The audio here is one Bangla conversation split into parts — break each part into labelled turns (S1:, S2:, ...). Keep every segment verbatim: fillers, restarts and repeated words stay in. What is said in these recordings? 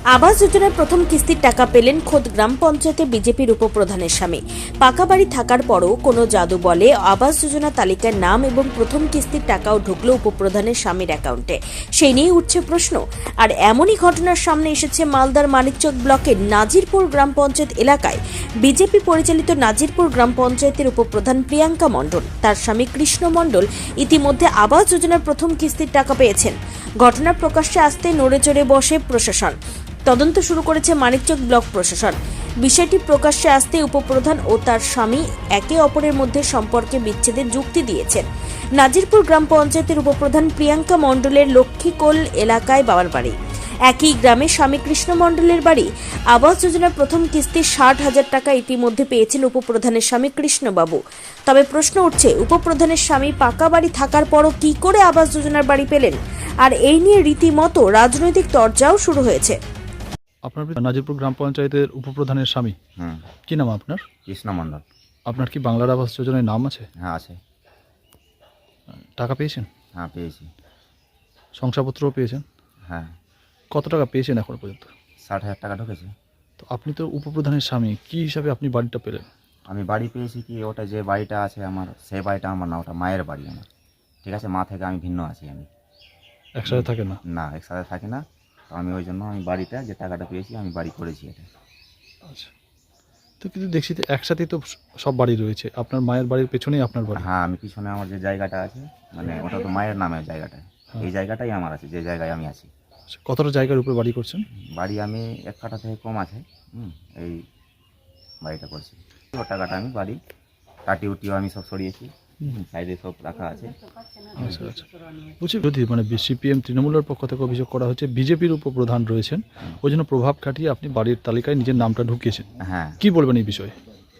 S1: আবাস যোজনার প্রথম কিস্তির টাকা পেলেন খোদ গ্রাম পঞ্চায়েতে বিজেপির উপপ্রধানের স্বামী। পাকা বাড়ি থাকার পরও কোনো জাদু বলে আবাস যোজনা তালিকার নাম এবং প্রথম কিস্তির টাকাও ঢুকলো উপপ্রধানের স্বামীর অ্যাকাউন্টে। সেই নিয়ে উঠছে প্রশ্ন। আর এমনই ঘটনার সামনে এসেছে মালদার মানিকচক ব্লকের নাজিরপুর গ্রাম পঞ্চায়েত এলাকায়। বিজেপি পরিচালিত নাজিরপুর গ্রাম পঞ্চায়েতের উপপ্রধান প্রিয়াঙ্কা মণ্ডল, তার স্বামী কৃষ্ণ মণ্ডল ইতিমধ্যে আবাস যোজনার প্রথম কিস্তির টাকা পেয়েছেন। ঘটনার প্রকাশ্যে আসতে নড়েচড়ে বসে প্রশাসন। তদন্ত শুরু করেছে মানিকচক ব্লক প্রশাসন। বিষয়টি প্রকাশ্যে আসতে উপপ্রধান ও তার স্বামী একে অপরের মধ্যে সম্পর্কে বিচ্ছেদের যুক্তি দিয়েছেন। নাজিরপুর গ্রাম পঞ্চায়েতের উপপ্রধান প্রিয়াঙ্কা মণ্ডলের লক্ষ্মীকোল এলাকায় বাবার বাড়ি। একই গ্রামে স্বামী কৃষ্ণ মণ্ডলের বাড়ি। আবাস যোজনার প্রথম কিস্তি ষাট হাজার টাকা ইতিমধ্যে পেয়েছেন উপপ্রধানের স্বামী কৃষ্ণবাবু। তবে প্রশ্ন উঠছে, উপপ্রধানের স্বামী পাকা বাড়ি থাকার পরও কি করে আবাস যোজনার বাড়ি পেলেন? আর এই নিয়ে রীতিমতো রাজনৈতিক তরজাও শুরু হয়েছে।
S2: আপনার নাজিরপুর গ্রাম পঞ্চায়েতের উপপ্রধানের স্বামী,
S3: হুম
S2: কি নাম আপনার?
S3: কৃষ্ণ মণ্ডল।
S2: আপনার কি বাংলার আবাস যোজনায় নাম আছে?
S3: হ্যাঁ আছে।
S2: টাকা পেয়েছেন?
S3: হ্যাঁ পেয়েছি।
S2: শংসাপত্রও পেয়েছেন?
S3: হ্যাঁ।
S2: কত টাকা পেয়েছেন এখন পর্যন্ত?
S3: ষাট হাজার টাকা ঢুকেছে।
S2: তো আপনি তো উপপ্রধানের স্বামী, কি হিসাবে আপনি বাড়িটা পেলেন?
S3: আমি বাড়ি পেয়েছি কি, ওটা যে বাড়িটা আছে আমার, সেই বাড়িটা আমার না, ওটা মায়ের বাড়ি আমার। ঠিক আছে, মা থেকে আমি ভিন্ন আছি। আমি
S2: একসাথে থাকে না?
S3: না, একসাথে থাকি না। তো আমি ওই জন্য আমি বাড়িটা যে টাকাটা পেয়েছি আমি বাড়ি করেছি এটা।
S2: আচ্ছা, তো কিন্তু দেখছি তো একসাথেই তো সব বাড়ি রয়েছে, আপনার মায়ের বাড়ির পেছনেই আপনার বাড়ি।
S3: হ্যাঁ, আমি পিছনে আমার যে জায়গাটা আছে, মানে ওটা তো মায়ের নামে জায়গাটা, এই জায়গাটাই আমার আছে, যে জায়গায় আমি আছি।
S2: আচ্ছা, কতটা জায়গার উপরে বাড়ি করছেন?
S3: বাড়ি আমি এক কাঠা থেকে কম আছে। হুম এই বাড়িটা করছি। ও টাকাটা আমি বাড়ি কাটি উটিও আমি সব সরিয়েছি, সাইডে সব রাখা আছে।
S2: আচ্ছা আচ্ছা, বলছি যদি মানে সিপিএম তৃণমূলের পক্ষ থেকে অভিযোগ করা হচ্ছে বিজেপির উপপ্রধান রয়েছেন, ওই জন্য প্রভাব খাটিয়ে আপনি বাড়ির তালিকায় নিজের নামটা ঢুকিয়েছেন।
S3: হ্যাঁ।
S2: কি বলবেন এই বিষয়ে?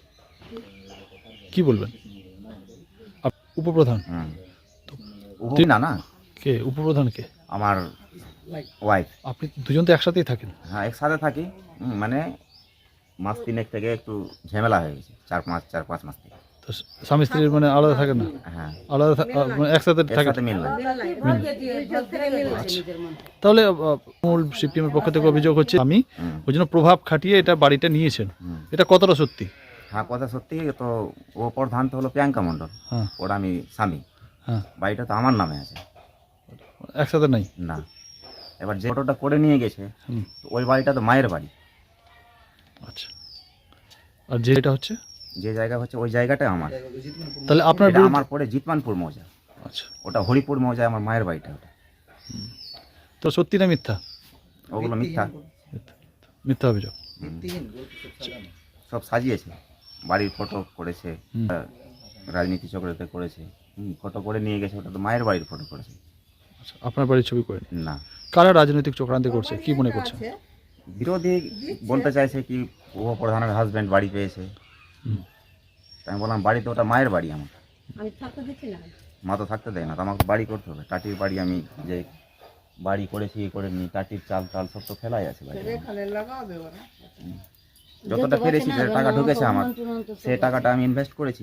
S2: কি বলবেন? উপপ্রধান
S3: হুম তুই না না
S2: কে? উপপ্রধান কে?
S3: আমার ওয়াইফ।
S2: আপনি দুজন তো একসাথেই থাকেন।
S3: হ্যাঁ, একসাথে থাকি। হুম, মানে মাস তিনেক থেকে একটু ঝামেলা হয়ে গেছে, চার পাঁচ চার পাঁচ মাস থেকে।
S2: তো স্বামী স্ত্রীর মানে আলাদা থাকে না?
S3: হ্যাঁ,
S2: আলাদা থা- আ, মানে একসাথে থাকে।
S3: একসাথে মিল না।
S2: তাহলে আহ, মূল সিপিএম এর পক্ষ থেকে অভিযোগ হচ্ছে আমি
S3: হুম।
S2: ওই জন্য প্রভাব খাটিয়ে এটা বাড়িটা নিয়েছেন।
S3: হুম।
S2: এটা কতটা সত্যি?
S3: হ্যাঁ, কথা সত্যি। তো ও প্রধান তো হলো প্রিয়াঙ্কা মণ্ডল,
S2: হ্যাঁ
S3: ওর আমি স্বামী।
S2: হ্যাঁ,
S3: বাড়িটা তো আমার নামে আছে
S2: একসাথে নাই।
S3: না। এবার যে ফটোটা করে নিয়ে গেছে,
S2: হুম,
S3: তো ওই বাড়িটা তো মায়ের বাড়ি।
S2: আচ্ছা। আর যেটা হচ্ছে
S3: যে জায়গা হচ্ছে ওই জায়গাটাই আমার।
S2: তাহলে আপনার
S3: এটা
S2: বিরুদ্ধে-
S3: আমার পরে জিতমানপুর মৌজা,
S2: আচ্ছা,
S3: ওটা হরিপুর মৌজায় আমার মায়ের বাড়িটা। ওটা
S2: তো সত্যি না মিথ্যা?
S3: ওগুলো মিথ্যা।
S2: মিথ্যা, মিথ্যা অভিযোগ।
S3: সব সাজিয়েছে, বাড়ির ফটো করেছে,
S2: হুম।
S3: রাজনীতি চক্রতে করেছে। হুম, ফটো করে নিয়ে গেছে, ওটা তো মায়ের বাড়ির ফটো করেছে।
S2: আচ্ছা, আপনার বাড়ির ছবি করে
S3: না,
S2: কারা রাজনৈতিক চক্রান্তি করছে কি মনে করছেন?
S3: বিরোধী বলতে চাইছে কি উপপ্রধানের হাজব্যান্ড বাড়ি পেয়েছে।
S2: হুম।
S3: তাই আমি বললাম বাড়ি তো ওটা মায়ের বাড়ি আমার,
S4: আমি থাকতে দিচ্ছি না।
S3: মা তো থাকতে দেয় না, তো আমাকে বাড়ি করতে হবে। টাটির বাড়ি আমি যে বাড়ি করেছি এ করে নি, টাটির চাল টাল সব তো ফেলাই আছে বাড়ি। হুম। যতটা পেরেছি, যে টাকা ঢুকেছে আমার, সেই টাকাটা আমি ইনভেস্ট করেছি।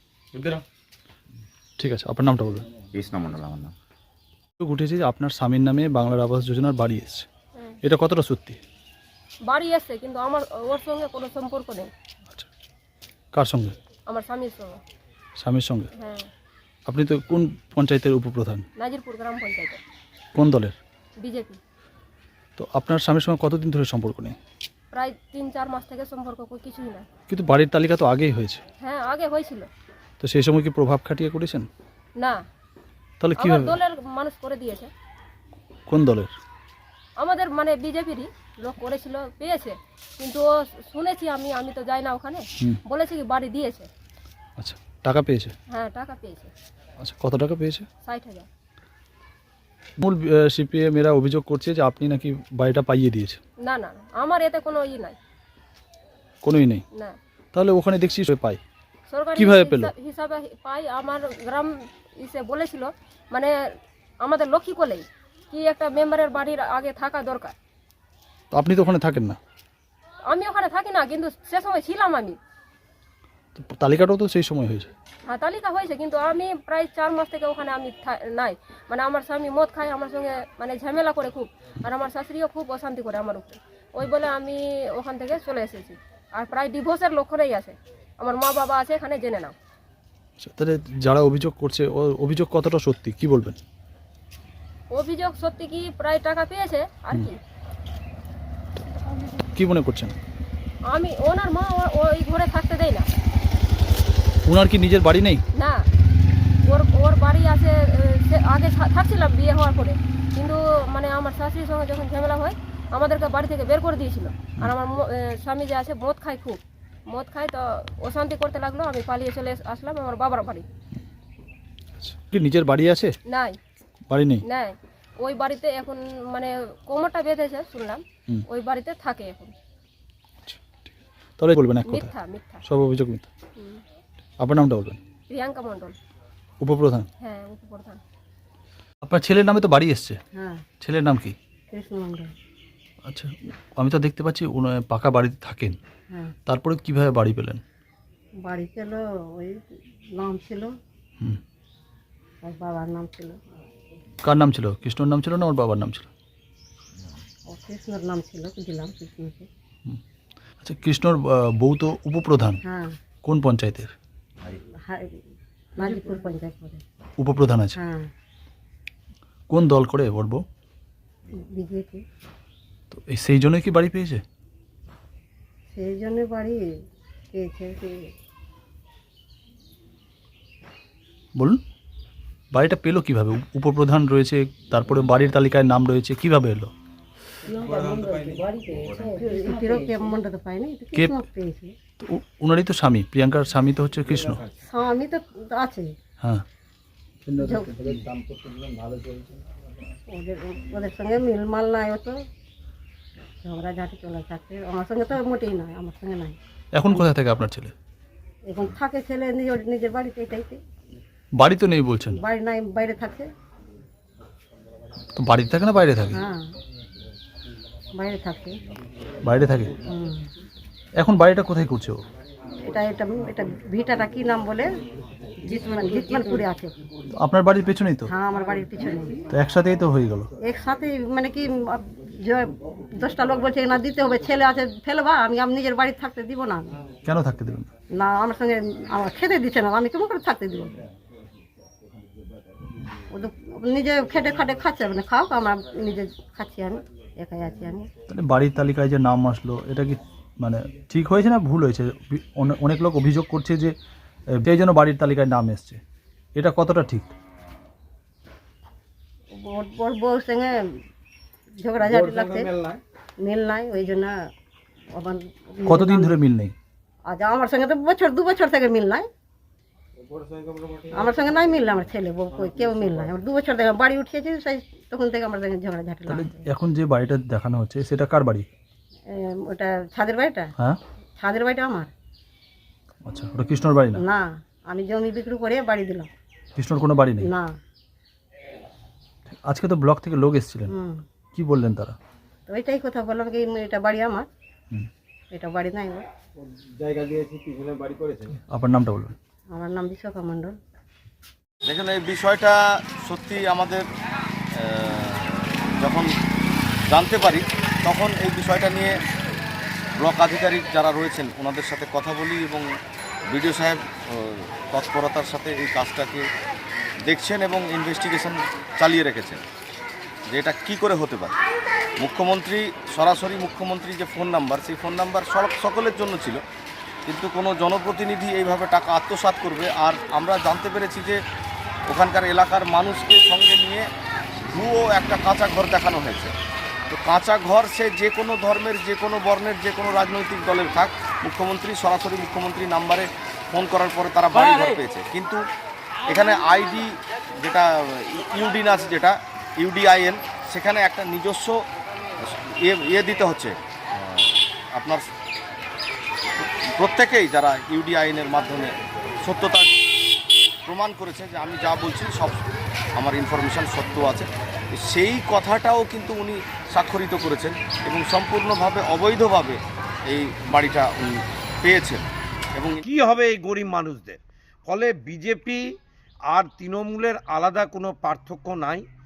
S2: ঠিক আছে, আপনার নামটা বলবেন।
S3: কৃষ্ণ মণ্ডল আমার নাম।
S2: উঠেছে যে আপনার স্বামীর নামে বাংলার আবাস যোজনার বাড়ি এসছে, এটা কতটা সত্যি?
S5: বাড়ি এসে কিন্তু আমার ওর সঙ্গে কোনো সম্পর্ক নেই।
S2: আচ্ছা, কার সঙ্গে?
S5: আমার স্বামীর সঙ্গে।
S2: স্বামীর সঙ্গে?
S5: হ্যাঁ,
S2: আপনি তো কোন পঞ্চায়েতের উপপ্রধান?
S5: নাজিরপুর গ্রাম পঞ্চায়েতে,
S2: কোন দলের?
S5: বিজেপি।
S2: তো আপনার স্বামীর সঙ্গে কতদিন ধরে সম্পর্ক নেই?
S5: প্রায় তিন চার মাস থেকে সম্পর্ক কো- কিছুই না।
S2: কিন্তু বাড়ির তালিকা তো আগেই হয়েছে,
S5: হ্যাঁ, আগে হয়েছিল।
S2: তো সেই সময় কি প্রভাব খাটিয়ে করেছেন?
S5: না,
S2: তাহলে
S5: আমার
S2: কিভাবে?
S5: দলের মানুষ করে দিয়েছে।
S2: কোন দলের?
S5: আমাদের মানে বিজেপিরই লোক করেছিল, পেয়েছে। কিন্তু ও শুনেছি আমি, আমি তো যাই না ওখানে।
S2: হুম।
S5: বলেছে কি বাড়ি দিয়েছে।
S2: আচ্ছা, টাকা পেয়েছে?
S5: হ্যাঁ, টাকা পেয়েছে
S2: আচ্ছা, কত টাকা পেয়েছে?
S5: ষাট হাজার।
S2: মূল সিপিএম এরা অভিযোগ করছে যে আপনি নাকি বাড়িটা পাইয়ে দিয়েছে।
S5: না না না, আমার এতে কোনো ই নাই।
S2: কোনোই নেই?
S5: না,
S2: তাহলে ওখানে দেখছি সে পাই।
S5: সরকারি
S2: কিভাবে পেল?
S5: হিসা- হিসাবে পাই। আমার গ্রাম ইসে বলেছিল, মানে আমাদের লক্ষ্মী কোলেই কি একটা মেম্বারের বাড়ির আগে থাকা দরকার।
S2: তো আপনি তো ওখানে থাকেন না,
S5: আমি ওখানে থাকি না, কিন্তু সে সময় ছিলাম আমি।
S2: তো তালিকাটাও তো সেই সময় হয়েছে।
S5: হ্যাঁ, তালিকা হয়েছে, কিন্তু আমি প্রায় চার মাস থেকে ওখানে আমি থা- নাই। মানে আমার স্বামী মদ খায় আমার সঙ্গে, মানে ঝামেলা করে খুব। আর আমার শাশুড়িও খুব অশান্তি করে আমার উপরে। ওই বলে আমি ওখান থেকে চলে এসেছি। আর প্রায় ডিভোর্সের লক্ষণেই আছে। আমার মা বাবা আছে এখানে, জেনে নাও।
S2: আচ্ছা, তাহলে যারা অভিযোগ করছে ও অভিযোগ কতটা সত্যি কি বলবেন?
S5: অভিযোগ সত্যি কি প্রায় টাকা পেয়েছে আর কি।
S2: কি মনে করছেন?
S5: আমি ওনার মা ও- ওই ঘরে থাকতে দেয় না।
S2: ওনার কি নিজের বাড়ি নেই?
S5: না, ওর ওর বাড়ি আছে। এ, সে আগে থা- থাকছিলাম বিয়ে হওয়ার পরে, কিন্তু মানে আমার শাশুড়ির সঙ্গে যখন ঝামেলা হয় আমাদেরকে বাড়ি থেকে বের করে দিয়েছিল। আর আমার ম- এ, স্বামী যে আছে মদ খায়, খুব মদ খায়, তো অশান্তি করতে লাগলো। আমি পালিয়ে চলে এস- আসলাম আমার বাবার বাড়ি।
S2: আচ্ছা, কি নিজের বাড়ি আছে?
S5: নাই
S2: বাড়ি নেই?
S5: নাই, ওই বাড়িতে এখন মানে কোমরটা বেঁধেছে শুনলাম,
S2: হুম।
S5: ওই বাড়িতে থাকে এখন।
S2: তাহলে বলবেন এক কথা,
S5: মিথ্যা মিথ্যা।
S2: সব অভিযোগ মিথ্যা।
S5: হুম।
S2: আপনার নামটা বলবেন।
S5: প্রিয়াঙ্কা মণ্ডল।
S2: উপপ্রধান।
S5: হ্যাঁ, উপপ্রধান।
S2: আপনার ছেলের নামে তো বাড়ি এসছে,
S4: হ্যাঁ,
S2: ছেলের নাম কি?
S4: কৃষ্ণ মন্ডল।
S2: আচ্ছা, আমি তো দেখতে পাচ্ছি উনি পাকা বাড়িতে থাকেন,
S4: হ্যাঁ,
S2: তারপরে কিভাবে বাড়ি পেলেন?
S4: বাড়ি ছিল, ওই নাম ছিল,
S2: হুম।
S4: ওর বাবার নাম ছিল।
S2: কার নাম ছিল? কৃষ্ণর নাম ছিল না ওর বাবার নাম ছিল?
S4: ও কৃষ্ণর নাম ছিল, দিলাম কৃষ্ণকে।
S2: আচ্ছা, কৃষ্ণর আহ, বউ তো উপপ্রধান,
S4: হ্যাঁ,
S2: কোন পঞ্চায়েতের
S4: হাই- মাঝিপুর পঞ্চায়েত করে।
S2: উপপ্রধান আছে?
S4: হ্যাঁ,
S2: কোন দল করে ওর বউ?
S4: বিজেপি।
S2: তো এই সেই জন্যই কি বাড়ি পেয়েছে?
S4: সেই জন্য বাড়ি পেয়েছে কি
S2: বলুন, বাড়িটা পেলো কিভাবে? উপ- উপপ্রধান রয়েছে, তারপরে বাড়ির তালিকায় নাম রয়েছে, কিভাবে এলো?
S4: তিরকে মন্ডল তো পাইনি, তো
S2: কে-
S4: কৃষ্ণ পেয়েছে।
S2: তো উ- উনারই তো স্বামী, প্রিয়াঙ্কার স্বামী তো হচ্ছে কৃষ্ণ।
S4: স্বামী তো আছে,
S2: হ্যাঁ,
S4: যো- ওদের ওদের সঙ্গে মিলমাল নাই, ও তো ঝগড়া ঝাঁটি চলে থাকে। আমার সঙ্গে তো মোটেই নয়, আমার সঙ্গে নাই।
S2: এখন কোথায় থাকে আপনার ছেলে?
S4: এখন থাকে ছেলে নিজের নিজের বাড়িতে, এটাইতে
S2: বাড়ি তো নেই বলছেন,
S4: বাড়ি নাই, বাইরে থাকে।
S2: তো বাড়িতে থাকে না বাইরে থাকে?
S4: হ্যাঁ, বাইরে থাকে।
S2: বাইরে থাকে।
S4: হুম।
S2: এখন বাড়িটা কোথায় করছে ও?
S4: এটা এটা এটা ভিটাটা কি নাম বলে, জিতমান জিতমানপুরে আছে।
S2: তো আপনার বাড়ির পেছনেই তো,
S4: হ্যাঁ, আমার বাড়ির পিছনে।
S2: তো একসাথেই তো হয়ে গেল।
S4: একসাথে মানে কি, আহ, যে দশটা লোক বলছে না দিতে হবে, ছেলে আছে ফেলবা, আমি আমি নিজের বাড়ি থাকতে দিব না।
S2: কেন থাকতে দেবেন না?
S4: না, আমার সঙ্গে আমার খেতে দিচ্ছে না, আমি কেমন করে থাকতে দিব? ও তো নিজে খেটে খাটে খাচ্ছে, মানে খাও, আমরা নিজে খাচ্ছি, আমি একাই আছি আমি।
S2: তাহলে বাড়ির তালিকায় যে নাম আসলো, এটা কি মানে ঠিক হয়েছে না ভুল হয়েছে? বি- অনে- অনেক লোক অভিযোগ করছে যে এ, সেই জন্য বাড়ির তালিকায় নাম এসছে, এটা কতটা ঠিক?
S4: ওর ওর বউর সঙ্গে ঝগড়াঝাটি লাগছে, মিল নাই, ওই জন্য আবার
S2: কতদিন ধরে মিল নেই?
S4: আজ আমার সঙ্গে তো বছর দু বছর থেকে মিল নাই, আমার সঙ্গে নাই মিল, আমার ছেলে বউ কই কেউ মিল নাই। আমার দু বছর থেকে বাড়ি উঠিয়েছি, সেই তখন থেকে আমার সঙ্গে ঝগড়াঝাটি
S2: তাহলে
S4: লাগছে।
S2: এখন যে বাড়িটা দেখানো হচ্ছে সেটা কার বাড়ি?
S4: এ, ওটা ছাদের বাড়িটা,
S2: হ্যাঁ,
S4: ছাদের বাড়িটা আমার
S2: আচ্ছা, ওটা কৃষ্ণর বাড়ি না?
S4: না, আমি জমি বিক্রি করে বাড়ি দিলাম।
S2: কৃষ্ণর কোনো বাড়ি নেই?
S4: না।
S2: আজকে তো ব্লক থেকে লোক এসেছিলেন,
S4: হুম,
S2: কি বললেন তারা?
S4: তো ওইটাই কথা বললাম কি, এটা বাড়ি আমার,
S2: হুম।
S4: এটা বাড়ি নাই ওর।
S2: আপনার নামটা বলবেন।
S4: আমার নাম বিশ্বকা মণ্ডল।
S6: দেখুন, এই বিষয়টা সত্যি আমাদের আহ, যখন জানতে পারি তখন এই বিষয়টা নিয়ে ব্লক আধিকারিক যারা রয়েছেন ওনাদের সাথে কথা বলি এবং বিডিও সাহেব আহ, তৎপরতার সাথে এই কাজটাকে দেখছেন এবং ইনভেস্টিগেশন চালিয়ে রেখেছেন যে এটা কী করে হতে পারে। মুখ্যমন্ত্রী সরাসরি মুখ্যমন্ত্রী যে ফোন নাম্বার, সেই ফোন নাম্বার সব সকলের জন্য ছিল, কিন্তু কোনো জনপ্রতিনিধি এইভাবে টাকা আত্মসাৎ করবে। আর আমরা জানতে পেরেছি যে ওখানকার এলাকার মানুষকে সঙ্গে নিয়ে ভুয়ো একটা কাঁচা ঘর দেখানো হয়েছে। তো কাঁচা ঘর সে যে কোনো ধর্মের, যে কোনো বর্ণের, যে কোনো রাজনৈতিক দলের থাক, মুখ্যমন্ত্রী সরাসরি মুখ্যমন্ত্রী নাম্বারে ফোন করার পরে তারা বাড়ি ঘর পেয়েছে। কিন্তু এখানে আইডি যেটা ইউডিন আছে, যেটা ইউডিআইএন, সেখানে একটা নিজস্ব ইয়ে ইয়ে দিতে হচ্ছে। আপনার প্রত্যেকেই যারা ইউডিআইএনের মাধ্যমে সত্যতা প্রমাণ করেছে যে আমি যা বলছি সব আমার ইনফরমেশান সত্য আছে, সেই কথাটাও কিন্তু উনি স্বাক্ষরিত করেছেন এবং সম্পূর্ণভাবে অবৈধভাবে এই বাড়িটা উনি পেয়েছেন। এবং
S7: কি হবে এই গরিব মানুষদের? ফলে বিজেপি আর তৃণমূলের আলাদা কোনো পার্থক্য নাই।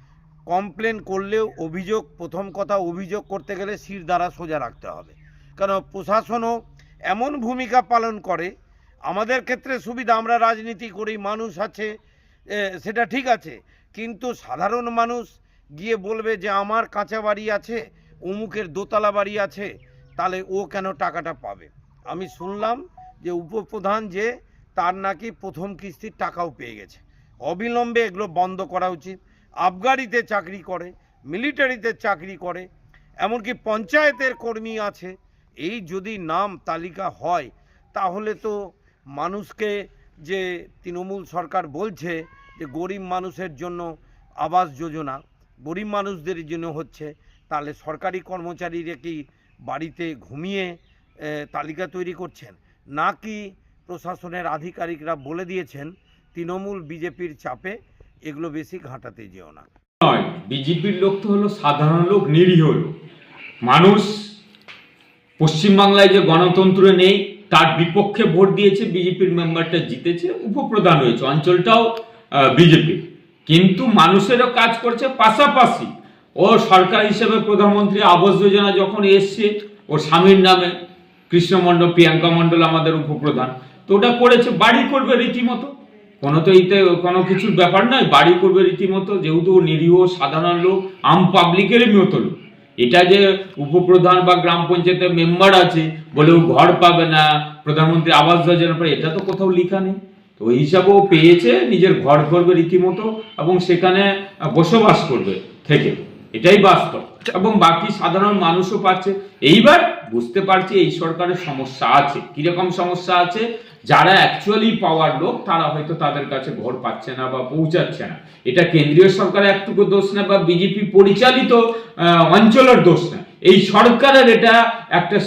S7: কমপ্লেন করলেও অভিযোগ, প্রথম কথা অভিযোগ করতে গেলে শির দ্বারা সোজা রাখতে হবে, কারণ প্রশাসনও এমন ভূমিকা পালন করে। আমাদের ক্ষেত্রে সুবিধা, আমরা রাজনীতি করি, মানুষ আছে, এ, সেটা ঠিক আছে, কিন্তু সাধারণ মানুষ গিয়ে বলবে যে আমার কাঁচা বাড়ি আছে, অমুকের দোতলা বাড়ি আছে, তাহলে ও কেন টাকাটা পাবে। আমি শুনলাম যে উপপ্রধান যে তার নাকি প্রথম কিস্তির টাকাও পেয়ে গেছে। অবিলম্বে এগুলো বন্ধ করা উচিত। আবগারিতে চাকরি করে, মিলিটারিতে চাকরি করে, এমনকি পঞ্চায়েতের কর্মী আছে। এই যদি নাম তালিকা হয় তাহলে তো মানুষকে, যে তৃণমূল সরকার বলছে যে গরিব মানুষের জন্য আবাস যোজনা, গরিব মানুষদের জন্য হচ্ছে, তাহলে সরকারি কর্মচারীরা কি বাড়িতে ঘুমিয়ে এ, তালিকা তৈরি করছেন, নাকি প্রশাসনের আধিকারিকরা বলে দিয়েছেন তৃণমূল বিজেপির চাপে এগুলো বেশি ঘাঁটাতে যেও না।
S8: নয়, বিজেপির লোক তো হলো সাধারণ লোক, নিরীহ লোক মানুষ। পশ্চিমবাংলায় যে গণতন্ত্র নেই, তার বিপক্ষে ভোট দিয়েছে, বিজেপির মেম্বারটা জিতেছে, উপপ্রধান হয়েছে, অঞ্চলটাও বিজেপির, কিন্তু মানুষেরও কাজ করছে। পাশাপাশি ও সরকার হিসেবে প্রধানমন্ত্রী আবাস যোজনা যখন এসছে, ওর স্বামীর নামে, কৃষ্ণ মণ্ডল, প্রিয়াঙ্কা মণ্ডল আমাদের উপপ্রধান, তো ওটা করেছে, বাড়ি করবে রীতিমতো, কোনো তো এতে কোনো কিছুর ব্যাপার নয়, বাড়ি করবে রীতিমতো, যেহেতু নিরীহ সাধারণ লোক, আম পাবলিকেরই মতো লোক। এটা যে উপপ্রধান বা গ্রাম পঞ্চায়েতের মেম্বার আছে বলে ও ঘর পাবে না, প্রধানমন্ত্রী আবাস যোজনা পাবে, এটা তো কোথাও লেখা নেই। তো ওই হিসাবে ও পেয়েছে, নিজের ঘর করবে রীতিমতো এবং সেখানে বসবাস করবে থেকে, এটাই বাস্তব। এবং বাকি সাধারণ মানুষও পাচ্ছে। এইবার বুঝতে পারছি এই সরকারের সমস্যা আছে। কিরকম সমস্যা আছে? যারা অ্যাকচুয়ালি পাওয়ার লোক তারা হয়তো তাদের কাছে ঘর পাচ্ছে না বা পৌঁছাচ্ছে না। এটা কেন্দ্রীয় সরকারের একটুকু দোষ না, বা বিজেপি পরিচালিত অঞ্চলের দোষ না, এই সরকারের এটা একটা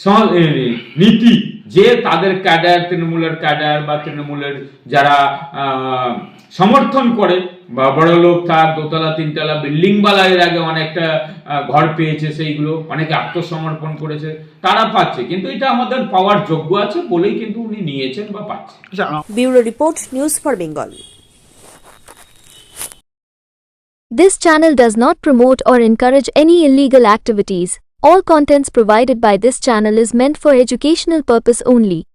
S8: নীতি যে তাদের ক্যাডার, তৃণমূলের ক্যাডার বা তৃণমূলের যারা সমর্থন করে, বা বড় লোক, তার দোতলা তিনতলা বিল্ডিং বালা এর আগে অনেকটা ঘর পেয়েছে, সেইগুলো অনেকে আত্মসমর্পণ করেছে, তারা পাচ্ছে। কিন্তু এটা আমাদের পাওয়ার যোগ্য আছে বলেই কিন্তু উনি নিয়েছেন বা পাচ্ছেন।
S1: Bureau report, news for Bengal.
S9: This channel does not promote or encourage any illegal activities. All contents provided by this channel is meant for educational purpose only.